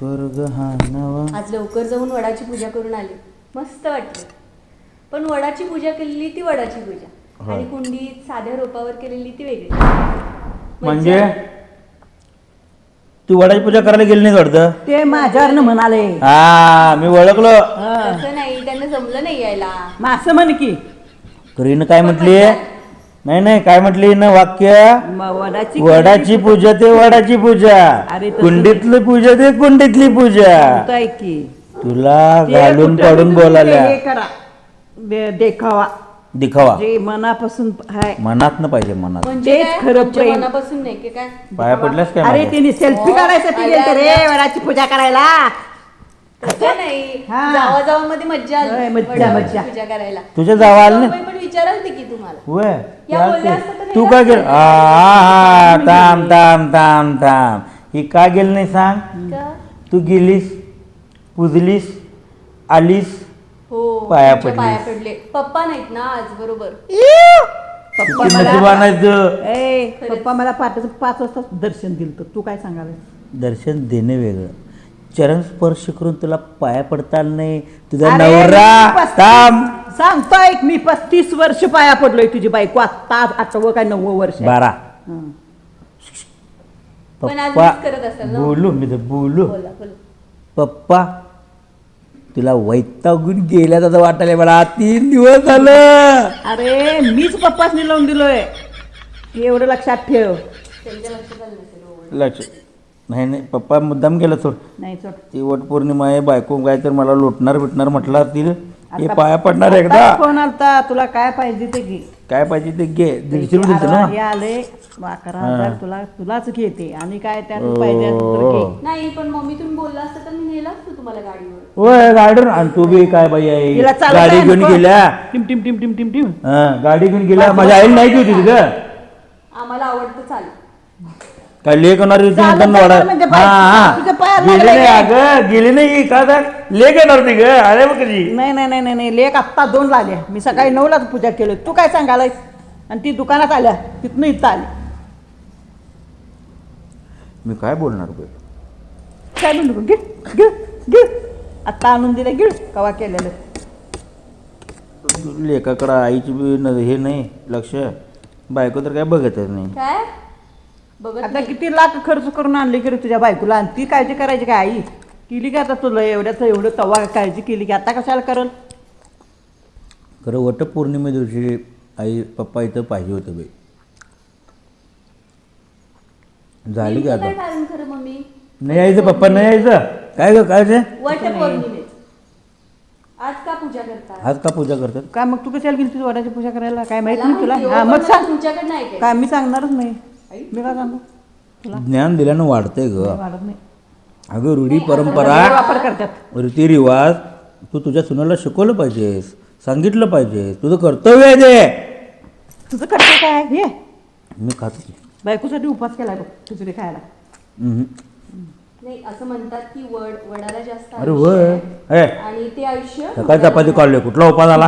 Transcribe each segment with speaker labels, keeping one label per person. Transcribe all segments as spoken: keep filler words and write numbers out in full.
Speaker 1: स्वर्ग हा नवा.
Speaker 2: आज लवकर जाऊन वडाची पूजा करून आली, मस्त वाटलं. पण वडाची पूजा केलेली ती वडाची पूजा आणि कुंडीत साध्या रोपावर केलेली ती वेगळी.
Speaker 1: म्हणजे तू वडाची पूजा करायला गेली नाही वाटतं?
Speaker 3: ते माझ्यावर म्हणाले.
Speaker 1: हा मी ओळखलो.
Speaker 2: असं नाही, त्यांना जमलं नाही यायला.
Speaker 3: मासं म्हण की
Speaker 1: करीन काय म्हटली? नाही नाही काय म्हटली ना वाक्य?
Speaker 3: म- वडाची
Speaker 1: वडाची पूजा ते वडाची पूजा,
Speaker 3: अरे तसं
Speaker 1: कुंडीतली पूजा ते कुंडीतली पूजा.
Speaker 3: काय की
Speaker 1: तुला
Speaker 3: ते
Speaker 1: घालून
Speaker 3: कुठं
Speaker 1: पाडून
Speaker 3: तुम्ही
Speaker 1: बोलाल्या.
Speaker 3: हे करा, दे- देखावा
Speaker 1: दिखावा
Speaker 3: जे मनापासून आहे.
Speaker 1: मनात न पाहिजे, मनात.
Speaker 2: म्हणजे
Speaker 3: तेच
Speaker 2: काय?
Speaker 3: खरं
Speaker 2: तुमच्या
Speaker 3: प्रेम.
Speaker 2: मनापासून नाही की काय?
Speaker 1: पाया पडल्यास काय
Speaker 3: अरे
Speaker 1: माझ्या?
Speaker 3: तिने सेल्फी
Speaker 2: हो.
Speaker 3: काढायसाठी
Speaker 2: आल्या,
Speaker 3: गेलते रे
Speaker 2: आल्या.
Speaker 3: वडाची पूजा करायला.
Speaker 2: तसं नाही,
Speaker 3: हा.
Speaker 2: जावा जावा मध्ये मज्जा
Speaker 3: होय,
Speaker 2: आली
Speaker 3: मज्जा,
Speaker 2: वडाची
Speaker 3: मज्जा.
Speaker 2: पूजा करायला.
Speaker 1: तुझ्या जावा आलं
Speaker 2: जावई पण विचाराल ती की तुम्हाला
Speaker 1: होय
Speaker 2: या बोलल्या असत्या तर
Speaker 1: तू
Speaker 2: नाही
Speaker 1: का
Speaker 2: जात
Speaker 1: गेल?
Speaker 2: नाही.
Speaker 1: हा हा थांब थांब थांब थांब ही का गेली नाही सांग?
Speaker 2: का?
Speaker 1: तू गेलीस, पुजलीस, आलीस,
Speaker 2: हो,
Speaker 1: पाया
Speaker 2: तुमच्या
Speaker 1: पडलीस.
Speaker 2: पाया पडले. पप्पा नाहीत ना आज, बरोबर.
Speaker 3: पप्पा
Speaker 1: किती
Speaker 3: मला
Speaker 1: नशीब आणायचं.
Speaker 3: ए पप्पा मला पाच पाच वाजता दर्शन दिलं तर तू काय सांगाल?
Speaker 1: दर्शन देणे वेगळं, चरण स्पर्श करून तुला पाया पडता आलं नाही. तुझा
Speaker 3: अरे,
Speaker 1: नवरा
Speaker 3: मी पस्तीस-
Speaker 1: थांब
Speaker 3: सांगतोय मी पस्तीस वर्ष पाया पडलोय तुझी बायको, आत्ता आठवं काय नव्वद वर्ष आहे.
Speaker 1: बारा.
Speaker 3: हं.
Speaker 2: पण आज
Speaker 1: पप्पा
Speaker 2: मिस करत असाल ना?
Speaker 1: बोलू मी तर बोलू.
Speaker 2: बोला बोला.
Speaker 1: पप्पा तुला वैतागून गेल्या असं वाटायला मला. तीन दिवस झालं.
Speaker 3: अरे मीच पप्पासनी लावून दिलोय, एवढं लक्षात ठेव.
Speaker 2: त्यांच्या लक्षात आलं नसेल हो.
Speaker 1: लक्ष नाही नाही पप्पा मुद्दाम केलं सोड.
Speaker 3: नाही सोड.
Speaker 1: ती वट पौर्णिमा आहे, बायको काय तर मला लोटणार बिटणार म्हटलं असतील. हे
Speaker 3: आता-
Speaker 1: पाया पडणार
Speaker 3: आता
Speaker 1: एकदा.
Speaker 3: फोन आलता, तुला काय पाहिजे ते घे.
Speaker 1: काय पाहिजे ते घे. दीडशे रुपये दिलते
Speaker 3: अरे, हे
Speaker 1: ना.
Speaker 3: आले अकरा हजार तुला तुलाच घेते आणि काय त्यात पाहिजे असेल तर घे.
Speaker 2: नाही, पण मम्मी तुम्ही बोलला असता तर मी नेला असतो तुम्हाला गाडीवर.
Speaker 1: होय गाडीवर. आणि तू बी काय बाई
Speaker 3: तिला
Speaker 1: आहे,
Speaker 3: चालवता
Speaker 1: गाडी घेऊन
Speaker 3: नको.
Speaker 1: गेल्या.
Speaker 3: टिम टिम टिम टिम टिम टिम.
Speaker 1: हा गाडी घेऊन गेल्या. माझ्या आईला नाही होती तिथं.
Speaker 2: आम्हाला आवडतं चाल.
Speaker 1: काय लेख होणार होती
Speaker 3: चालत
Speaker 1: म्हणताना
Speaker 3: जाणार
Speaker 1: वाडा.
Speaker 3: म्हणजे
Speaker 1: हा
Speaker 3: बाई,
Speaker 1: हा
Speaker 3: तुझ्या पायाला
Speaker 1: गेली
Speaker 3: लागलंय
Speaker 1: नाही
Speaker 3: काय?
Speaker 1: अगं गेली नाही का तर लेख येणार होती ग. अरे बघ कधी.
Speaker 3: नाही नाही नाही नाही नाही लेख आत्ता दोन लागल्या. मी सकाळी नऊलाच पूजा केली. तू काय सांगालायस? आणि ती दुकानात आल्या, तिथनं इथं आली.
Speaker 1: मी काय बोलणार बे?
Speaker 3: काय म्हणू गिळ गिळ गिळ आत्ता आणून दिलं गिळ कवा केलेलं.
Speaker 1: लेखाकडं आईची बी न- हे नाही लक्ष. बायको तर काय बघतच नाही.
Speaker 2: काय बघत
Speaker 3: आता
Speaker 2: नाही.
Speaker 3: किती लाख खर्च करून आणली की रे तुझ्या बायकोला, आणि ती काळजी करायची काय आई? केली की आता तुला एवढ्याच एवढं तवा काळजी केली की आता कशाला करल?
Speaker 1: खरं वट पौर्णिमे दिवशी आई पप्पा इथं पाहिजे होतं बाई. झाली की
Speaker 2: नेमकं
Speaker 1: आता.
Speaker 2: काय कारण खरं मम्मी?
Speaker 1: नाही यायचं पप्पा नाही यायचं. काय ग काय ते?
Speaker 2: वट पौर्णिमेत आज का पूजा करतात?
Speaker 1: आज का पूजा करतात?
Speaker 3: काय मग तू कशाला गेली तुझ्या वडाची पूजा करायला? काय माहित
Speaker 2: मला
Speaker 3: नाही तुला?
Speaker 2: माहिती हो,
Speaker 3: हा
Speaker 2: पण
Speaker 3: मग
Speaker 2: मला
Speaker 3: सांग.
Speaker 2: तुमच्याकडे नाही काय.
Speaker 3: काय मी सांगणारच नाही. मी काय सांगू तुला?
Speaker 1: ज्ञान दिल्यानं वाढतंय ग.
Speaker 3: वाढत नाही.
Speaker 1: अगं रूढी परंपरा
Speaker 3: वापर करतात.
Speaker 1: रीतिरिवाज तू तुझ्या सुनाला शिकवलं पाहिजेस, सांगितलं पाहिजे. तुझं कर्तव्य आहे ते.
Speaker 3: तुझं कर्तव्य काय आहे? हे
Speaker 1: मी खातो.
Speaker 3: बायकोसाठी उपास केलाय बघ खिचडी खायला.
Speaker 1: हम्म.
Speaker 2: नाही, असं म्हणतात की वड वडाला जास्त
Speaker 1: अरे
Speaker 2: आयुष्य
Speaker 1: वय
Speaker 2: आहे.
Speaker 1: हे
Speaker 2: आणि ते आयुष्य
Speaker 1: सकाळ चपाती काढले कुठला उपास आला?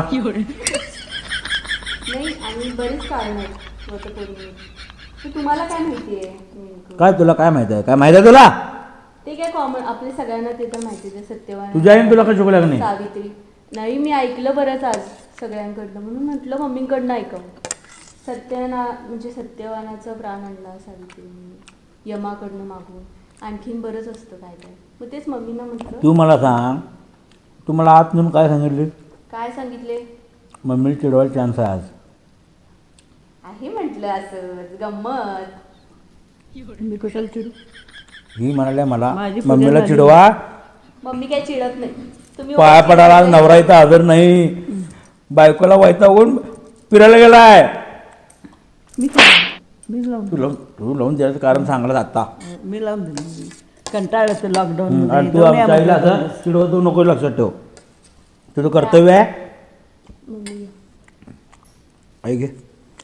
Speaker 2: नाही, आणि बरीच कारण आहेत वटपौर्णिमेत. तर तुम्हाला काय माहिती आहे नेमकं?
Speaker 1: काय तुला काय माहिती आहे? काय माहिती आहे तुला?
Speaker 2: ते काय कॉमन आपल्या सगळ्यांना ते तर माहितीच आहे. सत्यवान,
Speaker 1: तुझ्या आईने तुला काय शिकवलं का नाही?
Speaker 2: सावित्री. नाही, मी ऐकलं बरंच आज सगळ्यांकडनं, म्हणून म्हटलं मम्मींकडनं ऐकावं. सत्यना म्हणजे सत्यवानाचा प्राण आणला सावित्रीने यमाकडनं मागून. आणखीन बरंच असतं काय काय. मग तेच मम्मींना म्हटलं.
Speaker 1: तू मला सांग, तू मला आत म्हणून काय सांगितली?
Speaker 2: काय सांगितले?
Speaker 1: मम्मीला चिडवायला चान्स आहे आज.
Speaker 2: आहे म्हटलं असं गंमत.
Speaker 3: मी कशाला चिडू?
Speaker 1: ही म्हणाल्या मला
Speaker 3: माझी पूजा
Speaker 1: मम्मीला
Speaker 3: झाली.
Speaker 1: चिडवा.
Speaker 2: मम्मी काय चिडत नाही. तुम्ही
Speaker 1: पाया
Speaker 2: ओळखी
Speaker 1: पडायला आज
Speaker 2: करताय.
Speaker 1: नवरा इथं हजर नाही. बायकोला वैतागून फिरायला गेलाय.
Speaker 3: मी लावून मी लावून
Speaker 1: तू लावून तू लावून द्यायचं कारण सांगलं आता.
Speaker 3: मी लावून दिलं. कंटाळलं तर लॉकडाऊन
Speaker 1: आणि तू आमच्या आईला असं चिडवतो नको लक्षात ठेव. तुझं कर्तव्य आहे.
Speaker 2: मम्मी
Speaker 1: आई घे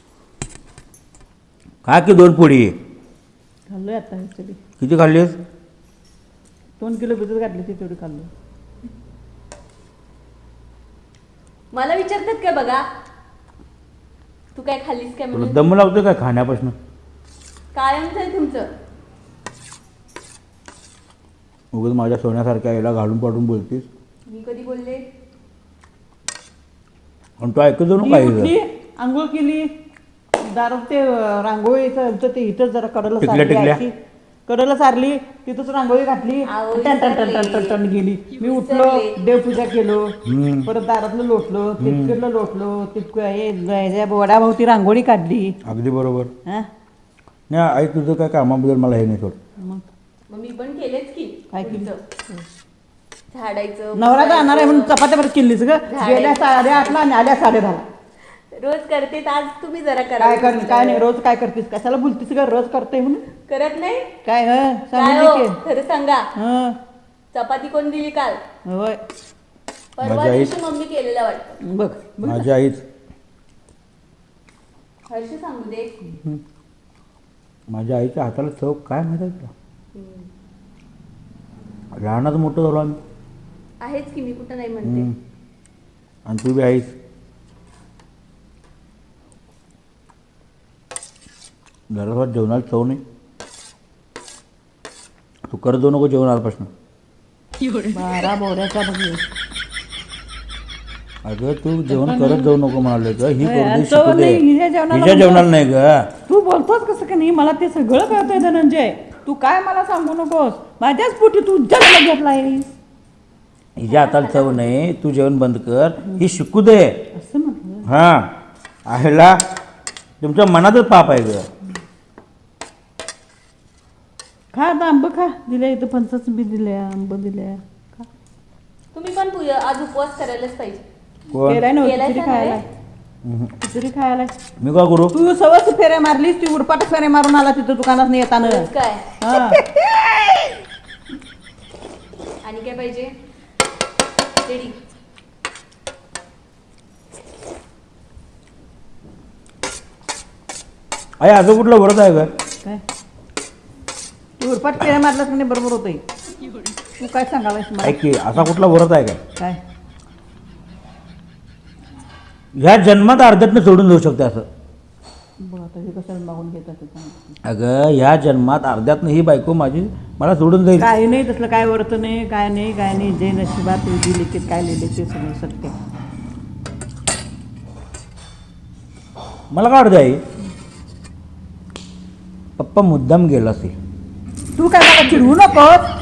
Speaker 1: खा की दोन पोळी.
Speaker 3: खाल्लोय आता ॲक्च्युली.
Speaker 1: किती खाल्लीस?
Speaker 3: दोन किलो भिजत घातली ती तेवढी खाल्लो.
Speaker 2: मला विचारतात काय बघा, तू काय खाल्लीस काय
Speaker 1: तुला
Speaker 2: म्हणून?
Speaker 1: दम लावतो काय खाण्यापासून?
Speaker 2: कायमच आहे तुमचं.
Speaker 1: उगाच माझ्या सोन्यासारख्या याला घालून पाडून बोलतीस
Speaker 2: मी कधी बोलले?
Speaker 1: आणि तू ऐकतो
Speaker 3: ती
Speaker 1: ना काही
Speaker 3: उठली आंघोळ केली दारात ते अं, रांगोळीचं होतं ते इथंच जरा कडला
Speaker 1: टिकल्या,
Speaker 3: सारली
Speaker 1: टिकल्या.
Speaker 3: आईची. कडला सारली तिथंच रांगोळी घातली
Speaker 2: आवो,
Speaker 3: टन टन टन टन टन टन गेली मी उठलो
Speaker 2: विसरले.
Speaker 3: देवपूजा केलो
Speaker 1: हम्म.
Speaker 3: परत दारातलं लोटलो तितकडलं लोटलो तितकं हे वडाभोवती रांगोळी काढली
Speaker 1: अगदी बरोबर
Speaker 3: हा
Speaker 1: नाही आई तुझं काय कामाबद्दल मला हे नाही सोड
Speaker 3: मग
Speaker 2: मग मी पण केलेच की
Speaker 3: काय केलं?
Speaker 2: पुढचं. झाडायचं
Speaker 3: नवरा जाणार आहे म्हणून
Speaker 2: पुसायचं.
Speaker 3: चपात्या परत किल्लीच ग
Speaker 2: झाडे.
Speaker 3: गेल्या साडे आठला आणि आल्या साडे दहाला
Speaker 2: रोज करते आज तुम्ही जरा करा.
Speaker 3: काय कर काय नाही रोज काय करतीस कशाला बोलतीस ग रोज करते म्हणून
Speaker 2: करत नाही
Speaker 3: काय हं?
Speaker 2: काय
Speaker 3: सांगितलं
Speaker 2: हो?
Speaker 3: की
Speaker 2: खरं सांगा
Speaker 3: हं,
Speaker 2: चपाती कोण दिली काल?
Speaker 3: होय
Speaker 2: परवा
Speaker 1: माझी आई-
Speaker 2: दिवशी मम्मी केलेला वाटतं.
Speaker 3: बघ बघ.
Speaker 1: माझी आईच
Speaker 2: हर्ष सांगू दे.
Speaker 1: माझ्या आईच्या हाताला चव काय माहिती आहे तुला
Speaker 2: हम्म.
Speaker 1: लहानाचं मोठं झालो आम्ही
Speaker 2: आहेच की मी कुठं नाही म्हणते.
Speaker 1: हम्म. आणि तू बी आईस जरा जेवणाला चव नाही तू करत जाऊ नको जेवण आल्यापासून
Speaker 3: बारा बोऱ्याचा बघ
Speaker 1: अगं तू जेवण करत जाऊ नको म्हणाले ग ही
Speaker 3: होय,
Speaker 1: करू दे
Speaker 3: आणि
Speaker 1: शिकू
Speaker 3: चव
Speaker 1: दे
Speaker 3: नाही, हिच्या जेवणाला
Speaker 1: हिच्या
Speaker 3: म्हणतो.
Speaker 1: जेवणाला नाही ग
Speaker 3: तू बोलतोस कसं का नाही मला ते सगळं कळतंय धनंजय तू काय मला सांगू नकोस माझ्याच पोटी तू जन्म घेतलायस
Speaker 1: हिच्या हाताला चव नाही तू जेवण बंद कर ही शिकू दे
Speaker 3: असं म्हटलं
Speaker 1: हां आहेला तुमच्या मनातच पाप आहे ग
Speaker 3: खा आता आंब खा दिल्या इथं पंचाच बी दिल्या आंब दिल्या खा
Speaker 2: तुम्ही पण पूजा आज उपवास करायलाच पाहिजे.
Speaker 1: कोण
Speaker 3: केलाय ना
Speaker 2: केलाय
Speaker 3: खिचडी
Speaker 2: का
Speaker 3: खायला
Speaker 2: नाही?
Speaker 1: हम्म.
Speaker 3: खिचडी खायला
Speaker 1: मी का करू
Speaker 3: तू सवस फेऱ्या मारलीस ती उरपाट फेऱ्या मारून आला तिथं दुकानात नाही येताना
Speaker 2: खरंच काय
Speaker 3: हा
Speaker 2: आणि काय पाहिजे? रेडी.
Speaker 1: आई असं कुठलं व्रत आहे ग
Speaker 3: काय तू उरपाट फेऱ्या मारलास म्हणजे बरोबर होतंय तू काय सांगालायस मला
Speaker 1: ऐक की असा कुठला व्रत आहे काय
Speaker 3: काय
Speaker 1: ह्या जन्मात अर्ध्यातनं सोडून जाऊ शकते असं
Speaker 3: बघ आता हे कशाला मागून घेतात ते सांग.
Speaker 1: अगं ह्या जन्मात अर्ध्यातनं ही बायको माझी मला सोडून जाईल
Speaker 3: काही नाही तसलं काय वर्त नाही काय नाही काय नाही जे नशिबात विधी लिखित काय लिहिले ते सगळं सत्य
Speaker 1: मला काय अर्ध आहे पप्पा मुद्दाम गेला असेल
Speaker 3: तू काय मला चिडवू नकोस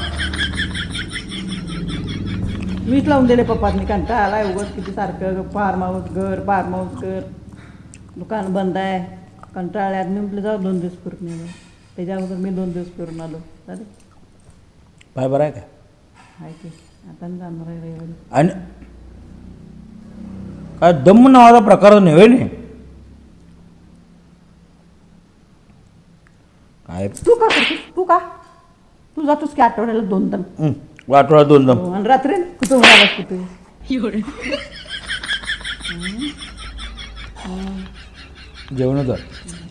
Speaker 3: मीच लावून दिले पप्पांनी कंटाळा आलाय उगाच किती सारखं फार्म हाऊस घर फार्म हाऊस घर दुकान बंद आहे कंटाळ्यात मी म्हटलं जाऊ दोन दिवस फिरून येऊ त्याच्या अगोदर मी दोन दिवस फिरून आलो चालेल
Speaker 1: पाय बरं आहे का
Speaker 3: आहे की आता मी जाणार आहे रविवारी
Speaker 1: आणि काय दम नावाचा प्रकार नव्हे नाही काय
Speaker 3: तू का करतोस तू का तू जातोस की आठवड्याला दोन दम
Speaker 1: हं, आठवडा दोन दम
Speaker 3: हो, आणि रात्री कुठं होणारच कुठे
Speaker 1: जेवण कर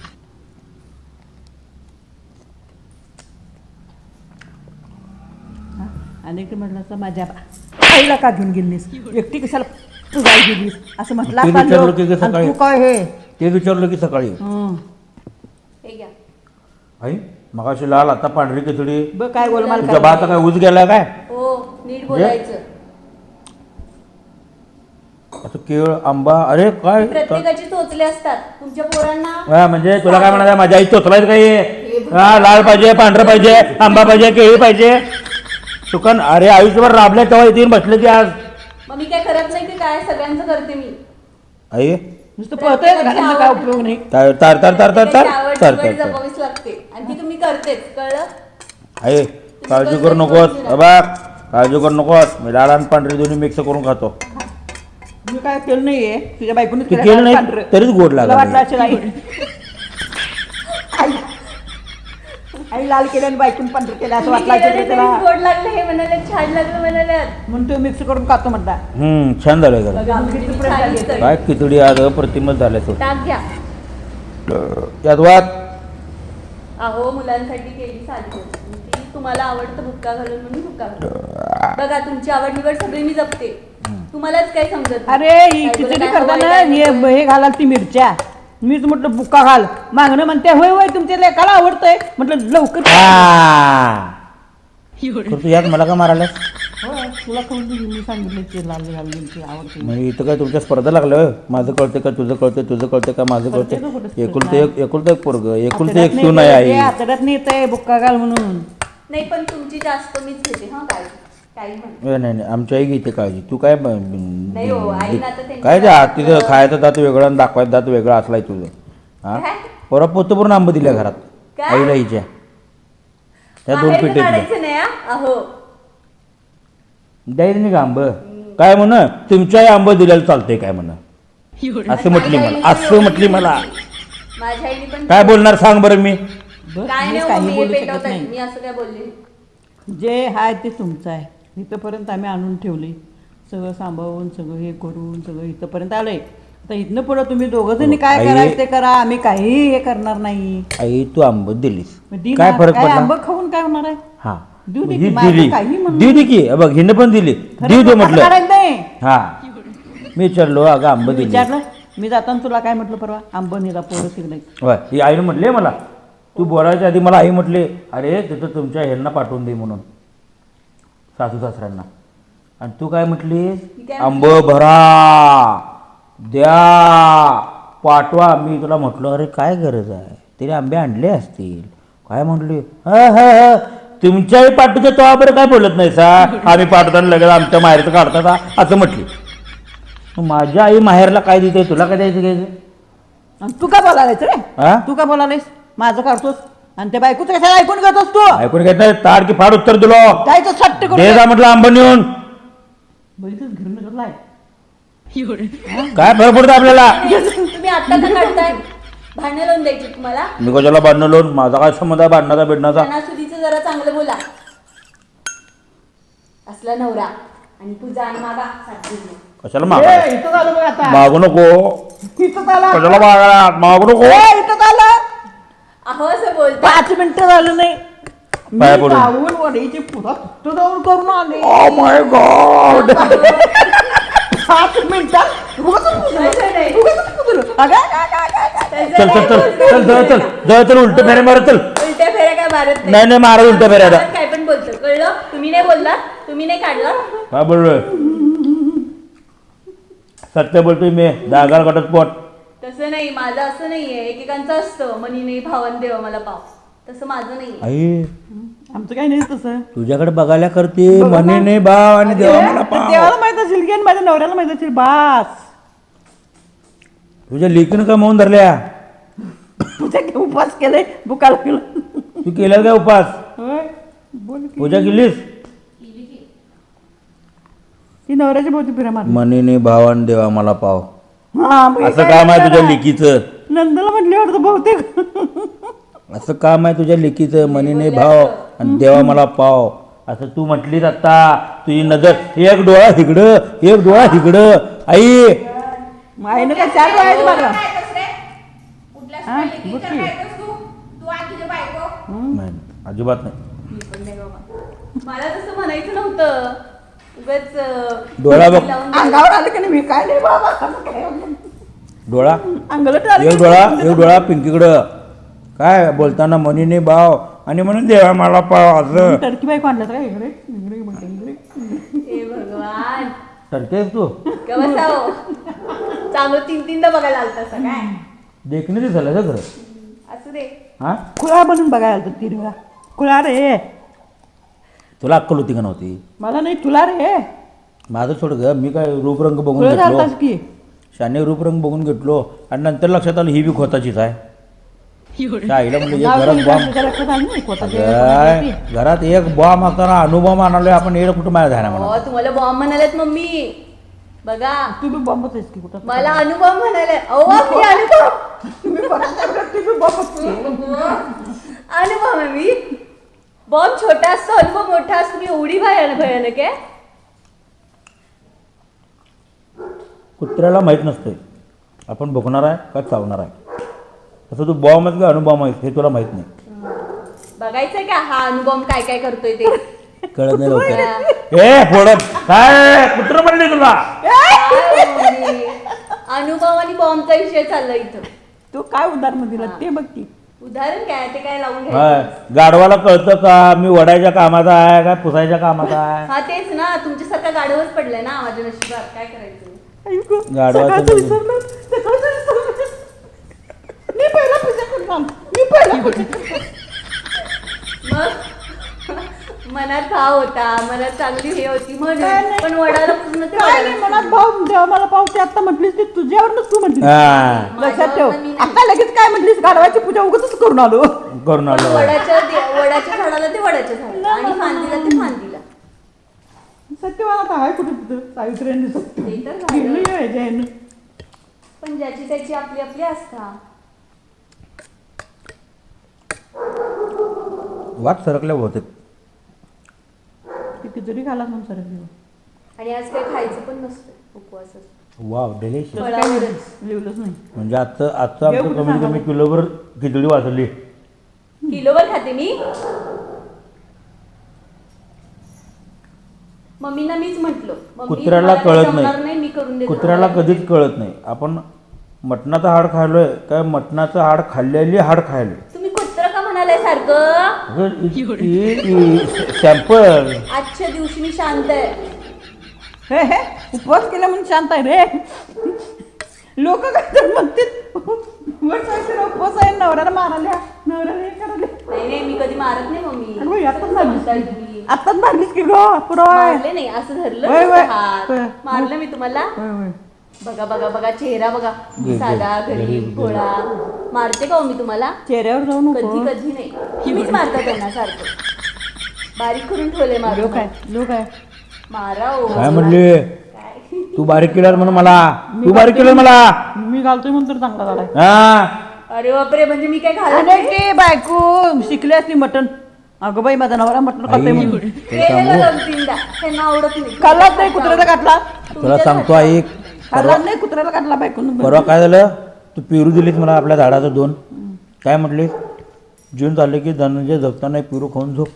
Speaker 3: आणि एक म्हटलं असं माझ्या आईला का घेऊन गेलीस एकटी कशाला तू गाय गेलीस असं म्हटलं
Speaker 1: ते
Speaker 3: असता
Speaker 1: विचारलं
Speaker 3: लोक.
Speaker 1: की कसं
Speaker 3: आणि
Speaker 1: काय?
Speaker 3: तू काय हे
Speaker 1: ते विचारलं की सकाळी
Speaker 3: हं.
Speaker 2: हे घ्या.
Speaker 1: आई मगाशी लाल आता पांढरी खिचडी
Speaker 3: बघ काय गोलमाल
Speaker 1: तुझ्या
Speaker 3: काय
Speaker 1: भाता काय उज गेला काय
Speaker 2: हो नीट बोलायचं.
Speaker 1: असं केळ आंबा अरे काय
Speaker 2: प्रत्येकाचे चोचले असतात तुमच्या पोरांना.
Speaker 1: हा, म्हणजे तुला काय म्हणायचं माझ्या आई चोचलाय काही हा लाल पाहिजे पांढरं पाहिजे आंबा पाहिजे केळी पाहिजे सुकन अरे आयुष्यभर राबले तेव्हा येतील बसले ती आज
Speaker 2: मग मी काय करत नाही की काय सगळ्यांचं करते मी.
Speaker 1: आई
Speaker 3: नुसतं पळतोय घराचा काय उपयोग नाही
Speaker 1: तार तार तार तार तार तार
Speaker 2: त्याची आवड
Speaker 1: तार
Speaker 2: निवड
Speaker 1: तार तार
Speaker 2: जपावीच लागते आणि ती तुम्ही करतेच कळलं.
Speaker 1: आई काळजी करू नकोस बाबा काळजी करू नकोस मी लाल आणि पांढरी दोन्ही मिक्स करून खातो
Speaker 3: मी काय केलं नाहीये तुझ्या बायकोने
Speaker 1: तू केलं नाही तरीच गोड
Speaker 3: वाटलं
Speaker 1: लागला
Speaker 3: असेल आई आई आई लाल केलं आणि बायकून पांढरं केलं असं
Speaker 2: तुम्ही
Speaker 3: वाटलं
Speaker 2: केलेलं
Speaker 3: असेल
Speaker 2: तरीच
Speaker 3: त्याला
Speaker 2: गोड लागलं हे म्हणाले छान लागलं म्हणाले.
Speaker 3: म्हणून तू मिक्स करून खातो म्हणता
Speaker 1: हम्म छान झालंय जरा
Speaker 3: किती प्रेम
Speaker 2: छान
Speaker 3: झाली.
Speaker 2: दिसतंय.
Speaker 1: काय खिचडी आज अप्रतिमच झाल्या तो
Speaker 2: टाक घ्या.
Speaker 1: यात वाद
Speaker 2: अहो मुलांसाठी केली साधी गोष्ट. ती तुम्हाला आवडतं बुक्का घालून म्हणून बुक्का घालून. बघा तुमची आवड निवड सगळी मी जपते. तुम्हालाच काही समजत नाही.
Speaker 3: अरे ही
Speaker 2: काय तुला
Speaker 3: खिचडी
Speaker 2: काय
Speaker 3: करताना
Speaker 2: हवंय, काय
Speaker 3: हे
Speaker 2: नको?
Speaker 3: हे घालाल ती मिरच्या मीच म्हटलं बुक्का घाल मागणं म्हणते होय होय तुमच्या लेकाला आवडतंय म्हटलं लवकर
Speaker 1: हा तर तू यात मला का मारायलास
Speaker 3: हो तुला खाऊन दिली मी सांगितलं ते लाल घालून आवडते
Speaker 1: म्हणजे इथं काय तुमच्या स्पर्धा लागल्या होय? माझं कळते का तुझं कळते तुझं कळते का माझं कळते एकुलतं एक एकुलतं एक पोरग एकुलतं एक सून आहे आई
Speaker 3: आतड्यात नाही येत आहे बुक्का घाल म्हणून
Speaker 2: नाही पण तुमची जास्त मीच घेते हा काय काही म्हण
Speaker 1: ए, नाही नाही आमची आई घेते काळजी तू काय ब-
Speaker 2: नाही हो, आईनं आता त्यांची
Speaker 1: काय ते हात तिथं खायचं दात वेगळं आणि दाखवायचं दात वेगळं असलाय तुझं हा
Speaker 2: काय?
Speaker 1: पोरा पोतं पूर्ण आंब दिल्या घरात
Speaker 2: काय?
Speaker 1: आईला हिच्या त्या दोन
Speaker 2: बाहेरचं
Speaker 1: पिठे
Speaker 2: काढायचं नाही हा? अहो
Speaker 1: द्यायचं नाही का आंब काय म्हण तुमच्याही आंब दिलेलं चालतंय काय म्हण असं म्हटली मला असं म्हटली मला
Speaker 2: माझ्या आईने पण
Speaker 1: काय बोलणार सांग बरं मी
Speaker 3: बस,
Speaker 2: काय
Speaker 3: मी
Speaker 2: नाही हो,
Speaker 3: काही
Speaker 2: मी हे
Speaker 3: बोलू शकत
Speaker 2: पेटवताय
Speaker 3: नाही
Speaker 2: मी असं काय बोलले
Speaker 3: जे आहे ते तुमचं आहे इथंपर्यंत आम्ही आणून ठेवले सगळं सांभाळून सगळं हे करून सगळं इथंपर्यंत आलंय आता इथनं पुढं तुम्ही दोघं जणी काय
Speaker 1: आई-
Speaker 3: करायचं ते करा आम्ही काही हे करणार नाही
Speaker 1: आई तू आंब दिलीस
Speaker 3: मग दिन
Speaker 1: काय फरक
Speaker 3: काय
Speaker 1: पडला
Speaker 3: आंबं खाऊन काय होणार आहे
Speaker 1: हा
Speaker 3: देऊ दे
Speaker 1: ही
Speaker 3: की, माझं
Speaker 1: दिली
Speaker 3: काही म्हणणं
Speaker 1: देऊ दे की हे बघ हिनं पण दिली
Speaker 3: खरं
Speaker 1: देऊ दे
Speaker 3: असं
Speaker 1: म्हटलं
Speaker 3: करायचं नाही
Speaker 1: हा मी विचारलो अगं आंब दिली
Speaker 3: विचारलं मी जाताना तुला काय म्हटलं परवा आंब नेला पोरं तिकडे
Speaker 1: होय ही आईनं म्हटले मला तू बोलायच्या आधी मला आई म्हटले अरे तिथं तुमच्या ह्यांना पाठवून दे म्हणून सासू सासऱ्यांना आणि तू काय म्हटलीस
Speaker 2: काय
Speaker 1: आंब भरा द्या पाठवा मी तुला म्हटलं अरे काय गरज आहे तिने आंबे आणले असतील काय म्हटली ह ह ह तुमच्याही पाठवते तो बरं काय बोलत नाही सा आम्ही पाठवताना लगेच आमच्या माहेरचं काढतात हा, असं म्हटली मग माझ्या आई माहेरला काय देते तुला काय द्यायचं घ्यायचं
Speaker 3: आणि तू का बोलायलायस रे
Speaker 1: हा
Speaker 3: तू का बोलायलायस माझं काढतोस आणि त्या बायकोचं कशाला ऐकून घेतोस तू
Speaker 1: ऐकून घेत नाही ताड की फाड उत्तर दिलो
Speaker 3: जायचं सट्ट करून
Speaker 1: दे जा म्हटलं आंब नेऊन
Speaker 3: बघितलंच घर नगरलाय
Speaker 1: काय फरक पडतं आपल्याला
Speaker 2: तुम्ही आता का काढताय भांडण लावून द्यायची तुम्हाला
Speaker 1: मी कशाला बांधणं लोन माझा काय संबंध आहे बांधण्याचा बिडण्याचा
Speaker 2: सणासुदीचं जरा चांगलं बोला असला नवरा आणि पूजा आणि मागा साथ दिली.
Speaker 1: कशाला मागा
Speaker 3: ए, इथं झालं बघ आता
Speaker 1: मागू नको
Speaker 3: इथं झालं
Speaker 1: कशाला मागा मागू नको
Speaker 3: ए, इथं झालं
Speaker 2: अहो असं बोलता
Speaker 3: पाच मिनिटं झालं नाही मी
Speaker 1: पाया पडून.
Speaker 3: जाऊन वडीची पुरा तिथं जाऊन करून आले
Speaker 1: ओ माय गॉड
Speaker 3: पाच मिनिटात उगाचच कुदलं.
Speaker 2: तसं नाही.
Speaker 3: उगाचच कुदलं. अगं, अगं, अगं, अगं, अगं.
Speaker 1: चल चल चल चल चल चल जळ चल उलट फेरे मारत चल
Speaker 2: उलट्या फेऱ्या काय मारत
Speaker 1: नाही नाही मारा उलट फेऱ्या आता
Speaker 2: काय पण बोलतो कळलं तुम्ही नाही बोलला तुम्ही नाही काढलं
Speaker 1: काय बोललोय सत्य बोलतोय मी दागाल घटस्फोट
Speaker 2: तसं नाही माझं असं नाहीये एकेकांचं असतं मनी नाही भावन देवा मला पाव तसं माझं नाही
Speaker 1: आई
Speaker 3: आमचं काही नाही तसं
Speaker 1: तुझ्याकडे बघायला करते मनी नाही भाव आणि देवा मला पाव
Speaker 3: देवाला माहित असेल की आणि माझ्या नवऱ्याला माहित असेल बास
Speaker 1: तुझ्या लेकीनं का म्हणून धरल्या
Speaker 3: तुझ्या उपास केले बुकाला गेलं
Speaker 1: तू केल्यास काय उपास
Speaker 3: होय बोल की
Speaker 1: पूजा केलीस
Speaker 3: ती नवऱ्याच्या भोवती फिरा मारली
Speaker 1: मनीने भावान देवा मला पाव
Speaker 3: हा मग हे
Speaker 1: असं
Speaker 3: काय
Speaker 1: काम आहे तुझ्या
Speaker 3: करणार?
Speaker 1: लेकीचं
Speaker 3: नंदला म्हटले वाटतं बहुतेक
Speaker 1: असं काम आहे तुझ्या लेकीचं मनीने भाव आणि देवा मला पाव असं तू म्हटलीस आता तुझी नजर एक डोळा हिकडं एक डोळा हिकडं आई
Speaker 3: आईनं काय चार वेळायचं बघा हा, बघ की.
Speaker 1: नाही, अजिबात नाही
Speaker 2: मी पण नाही बाबा. मला तसं म्हणायचं नव्हतं उगाच अं,
Speaker 1: डोळा बघ.
Speaker 2: लावून
Speaker 3: अंगावर आलं की नाही मी काय नाही बाबा असं काय
Speaker 1: डोळा
Speaker 3: अंगाला आलं
Speaker 1: एक
Speaker 3: की
Speaker 1: डोळा एक डोळा पिंकीकडं काय बोलताना मनीने भाव आणि म्हणून देवा मला पाव असं
Speaker 3: टर्की बाईक आणलं का इकडे इकडे म्हणते, इकडे
Speaker 2: हे भगवान
Speaker 1: ठरतेस तू
Speaker 2: का बसाव चांगलं तीन तीनदा बघायला आलता असं काय
Speaker 1: देखणे ते झालं खरं
Speaker 2: असू दे
Speaker 1: हा
Speaker 3: खुळा बनून बघायला आलं तीन वेळा खुळा रे
Speaker 1: तुला अक्कल होती का नव्हती
Speaker 3: मला नाही तुला रे
Speaker 1: माझं सोड ग मी काय रूपरंग बघून
Speaker 3: खुळा
Speaker 1: घेतलो
Speaker 3: झालतास की
Speaker 1: शाने रूपरंग बघून घेतलो आणि नंतर लक्षात आलं ही बी खोताचीच आहे त्या आईला म्हणलं एक
Speaker 3: नाव
Speaker 1: घरात
Speaker 3: सांगितलं
Speaker 1: बॉम्ब
Speaker 3: तुझ्या लक्षात आलं नाही कोणाच्या
Speaker 1: काय
Speaker 3: कोणाच्या
Speaker 1: घरात एक बॉम्ब असताना अनुभव आणलोय आपण येणं कुठं माझ्या ध्याना म्हणा
Speaker 2: हो तुम्हाला बॉम्ब म्हणालेत मम्मी बघा
Speaker 3: तू बी बॉम्बच आहेस की कुठं
Speaker 2: मला अनुभव म्हणाले अहो मी अनुभव
Speaker 3: तुम्ही बघा तू बी बॉम्बच की.
Speaker 2: अनुभव आहे मी बॉम्ब छोटा असतो अनुभव मोठा असतो मी एवढी भयानक भयानक आहे
Speaker 1: कुत्र्याला माहीत नसते आपण बघणार आहे का चावणार आहे तसं तू बॉम्ब आहेस का अनुभव आहेस हे तुला माहित नाही
Speaker 2: बघायचंय का हा अनुभव काय काय करतोय ते
Speaker 1: कळत नाही लवकर ए फोडत काय कुत्र म्हणले तुला
Speaker 2: काय हो मी? अनुभव आणि बॉम्बचा विषय चाललाय इथं
Speaker 3: तू काय उदाहरण दिलं ते बघ की
Speaker 2: उदाहरण काय ते काय लावून
Speaker 1: हा
Speaker 2: घ्यायचं.
Speaker 1: गाढवाला कळतं का मी वडायच्या कामाचा आहे काय पुसायच्या कामाचा आहे?
Speaker 2: हा तेच ना तुमच्यासारखा गाढवच पडलाय ना माझ्या नशिबात काय करायचं.
Speaker 3: ऐकू,
Speaker 1: गाढवाचं
Speaker 3: सकाळचं
Speaker 1: लग्न.
Speaker 3: विसरलं, सकाळचं विसरलं. मी पहिला पूजा करून आलो. मी पहिला पूजा करून आलो.
Speaker 2: मग मनात भाव होता मनात चांगली हे होती
Speaker 3: काय
Speaker 2: म्हणून
Speaker 3: नाही.
Speaker 2: पण वडाला पुजणं ते
Speaker 3: काय नाही
Speaker 2: वडालाच
Speaker 3: मनात
Speaker 2: पुजणं.
Speaker 3: भाऊ देवा मला पावते आता म्हटलीस ती तुझ्यावरच तू म्हटलीस
Speaker 1: हा
Speaker 3: लक्षात ठेव
Speaker 2: माझ्यावरनं मी नाही.
Speaker 3: आता लगेच काय म्हटलीस गाढवाची पूजा उगाचच करून आलो
Speaker 1: करून
Speaker 2: पण
Speaker 1: आलो
Speaker 2: वडाच्या दे- वडाच्या झाडाला ते वडाच्या झाडाला आणि फांदीला ते फांदीला.
Speaker 3: सत्यवान आता आहे कुठे तिथं सावित्र्यांनी सत्य
Speaker 2: ते तर झालं.
Speaker 3: गेलं यायच्या ह्यानं.
Speaker 2: पण ज्याची त्याची आपली आपली आस्था.
Speaker 1: वाट सरकल्या बहुतेक.
Speaker 3: ती खिचडी खाला म्हणून सरक
Speaker 2: आणि आज काही खायचं पण नसतं उपवासात.
Speaker 1: Wow delicious.
Speaker 2: फळावरच
Speaker 3: लिहिलंच नाही
Speaker 1: म्हणजे आजचं आजचं आमचं
Speaker 3: एवढं
Speaker 1: कमीत कमी
Speaker 3: सांगा.
Speaker 1: किलोभर खिचडी वाचली.
Speaker 2: किलोवर खाते मी. मम्मीना मीच म्हटलं मम्मी,
Speaker 1: कुत्र्याला
Speaker 2: मला काही
Speaker 1: कळत
Speaker 2: जमणार
Speaker 1: नाही
Speaker 2: मी करून देतो
Speaker 1: कुत्र्याला
Speaker 2: तुम्हाला.
Speaker 1: कधीच कळत नाही आपण मटणाचं हाड खाल्लोय काय मटणाचं हाड खाल्लेली हाड खायलोय.
Speaker 2: तुम्ही कुत्र का म्हणालाय सारखं.
Speaker 1: सॅम्पल
Speaker 2: आजच्या दिवशी मी शांत आहे.
Speaker 3: हे हे उपवास केला म्हणून शांत आहे रे लोक काय तर म्हणतात वर सावित्रीला उपवास आहे नवऱ्याला मारायला नवऱ्याला हे करायला
Speaker 2: नाही नाही मी कधी मारत नाही
Speaker 3: अगं बाई,
Speaker 2: मम्मी.
Speaker 3: आताच
Speaker 2: कसं
Speaker 3: मारलीस
Speaker 2: म्हणताय
Speaker 3: की.
Speaker 2: तुम्ही.
Speaker 3: आत्ताच मारलीस की गो पुरवाय
Speaker 2: मारले नाही असं धरलं
Speaker 3: होय,
Speaker 2: नुसतं
Speaker 3: होय.
Speaker 2: हात.
Speaker 3: होय.
Speaker 2: मारलं मी तुम्हाला.
Speaker 3: होय होय
Speaker 2: बघा बघा बघा चेहरा बघा
Speaker 1: घे,
Speaker 2: साधा
Speaker 1: घे,
Speaker 2: गरीब
Speaker 1: घे.
Speaker 2: भोळा. मारते का हो मी तुम्हाला.
Speaker 3: चेहऱ्यावर जाऊ नको
Speaker 2: कधी कधी नाही तुम्हीच मारता त्यांना सारखं. बारीक करून ठेवले मारू
Speaker 3: लोक आहे लोक आहे
Speaker 2: मारा ओ
Speaker 1: काय म्हणले
Speaker 2: काय
Speaker 1: तू बारीक केलं म्हणून मला तू बारीक केलं मला
Speaker 3: मी घालतोय म्हणून तर चांगला झालाय
Speaker 1: हा
Speaker 2: अरे बापरे म्हणजे मी काय घालत
Speaker 3: आणि
Speaker 2: नाही.
Speaker 3: ते बायको शिकली असली मटण अगं बाई माझा नवरा मटण खातोय म्हणून
Speaker 1: आई, तुला
Speaker 2: केलेलं
Speaker 1: सांगू
Speaker 2: दोन तीनदा त्यांना आवडत नाही.
Speaker 3: खाल्लाच नाही कुत्र्याला काटला
Speaker 1: तुला सांगतो आई
Speaker 3: खाल्ला
Speaker 1: परवा
Speaker 3: नाही कुत्र्याला काटला बायकोनं
Speaker 1: परवा काय झालं तू पेरू दिलीस मला आपल्या झाडाचं दोन काय म्हटलीस जून झाले की धनंजय जगताना पेरू खाऊन झोप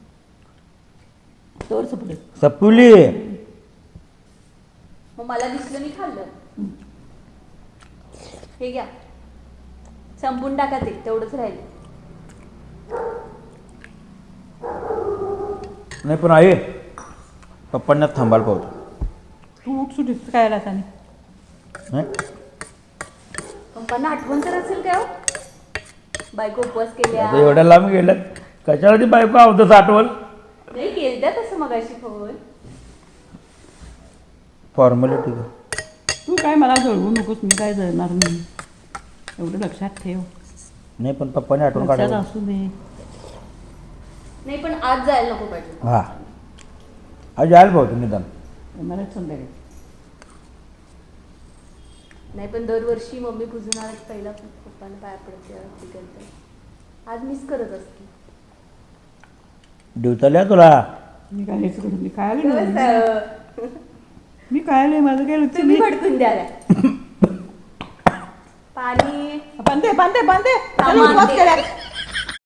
Speaker 3: तोवर सपले
Speaker 1: सपवली
Speaker 2: मग मला दिसलं मी खाल्लं. हे घ्या संपून टाका ते तेवढंच राहिलं.
Speaker 1: नाही पण आई पप्पांना थांबायला पाहतो
Speaker 3: तू उठ सुटीस काय आला त्याने
Speaker 1: नाही
Speaker 2: पप्पांना आठवण तर असेल काय हो? बायको उपवास केल्या
Speaker 1: आता एवढ्या लांब गेल्या कशाला ती बायको आवतच आठवण
Speaker 2: नाही केलत्या तसं मगाशी फोन.
Speaker 1: फॉर्मॅलिटी
Speaker 3: तू काय मला जळवू नकोस मी काय जळणार नाही एवढं लक्षात ठेव
Speaker 1: नाही पण पप्पाने आठवण
Speaker 3: लक्षात
Speaker 1: काढायला
Speaker 3: असू दे
Speaker 2: नाही पण आज जायला नको पाहिजे.
Speaker 1: हा आज यायला पाहतो निदान
Speaker 3: येणारच संध्याकाळी
Speaker 2: नाही पण दरवर्षी मम्मी पुजणार पहिला पप्पाला पाया पडते आरती करते. आज मिस करत असते.
Speaker 1: दिवसाला तुला
Speaker 3: मी काय हेच करून मी काय आले नाही.
Speaker 2: दिवस,
Speaker 3: मी काय आले माझं काय लक्ष
Speaker 2: तुम्ही
Speaker 3: नाही
Speaker 2: भडकून द्याला पाणी
Speaker 3: बांधे बांधे बांधे
Speaker 2: हा,
Speaker 3: चला, उपवास
Speaker 2: बांधे.
Speaker 3: करा